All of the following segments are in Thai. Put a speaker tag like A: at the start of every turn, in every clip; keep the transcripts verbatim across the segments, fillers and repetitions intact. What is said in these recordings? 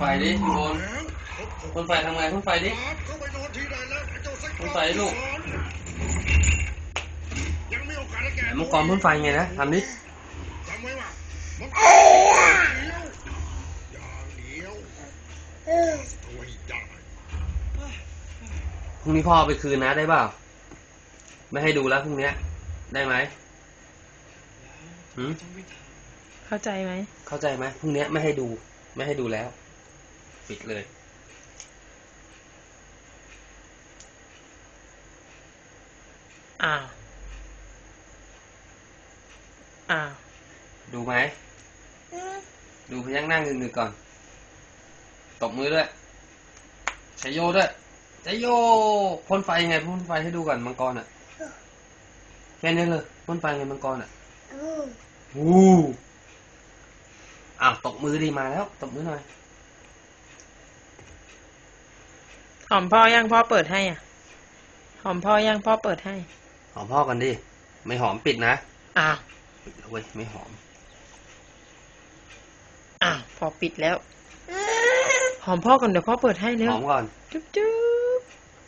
A: ไฟดิอยู่บนพ่นไฟทำไงพ่นไฟดิพ่นไฟลูกมังกรพ่นไฟไงนะทำดิพรุ่งนี้พ่อไปคืนนะได้เปล่าไม่ให้ดูแล้วพรุ่งนี้ได้ไหมหืม
B: เข้าใจไหม
A: เข้าใจไหมพรุ่งนี้ไม่ให้ดูไม่ให้ดูแล้วปิดเลย
B: อ้าวอ้าว
A: ดูไหมดูพยักหน้าเงือกๆก่อนตบมือด้วยใช้โยด้วยใช้โยพ่นไฟไงพ่นไฟให้ดูก่อนมังกรอ่ะแค่นี้เลยพ่นไฟไงมังกรอ่ะอู้อ้าวตบมือดีมาแล้วตบมือหน่อย
B: หอมพ่อยังพ่อเปิดให้อ่ะหอมพ่อยังพ่อเปิดให้
A: หอมพ่อกันดิไม่หอมปิดนะ
B: อ้าว
A: ปิดแล้วเว้ยไม่หอม
B: อ้าวพอปิดแล้วหอมพ่อก่อนเดี๋ยวพ่อเปิดให้เร็ว
A: หอมก่อน
B: จุ๊บจุ๊บ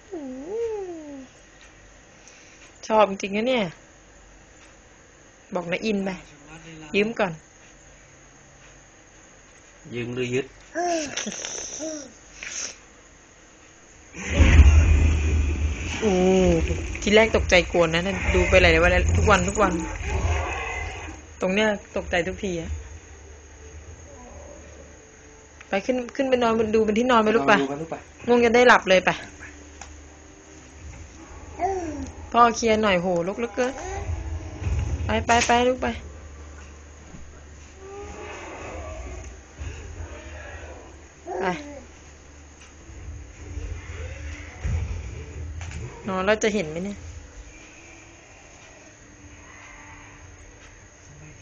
B: ชอบจริงๆนะเนี่ยบอกนะอินไปยืมก่อน
A: ยืมหรือยึด
B: โอ้ทีแรกตกใจกวนนะนั่นดูไปหลายวันแล้วทุกวันทุกวันตรงเนี้ยตกใจทุกทีอะไปขึ้นขึ้นไปนอนดูเป็นที่นอนไปลูกไปงงจะได้หลับเลยไปพ่อเคลียร์หน่อยโหลุกลุกเกินไปไปไปลูกไปไปนอนแล้วจะเห็นไหมเนี่ย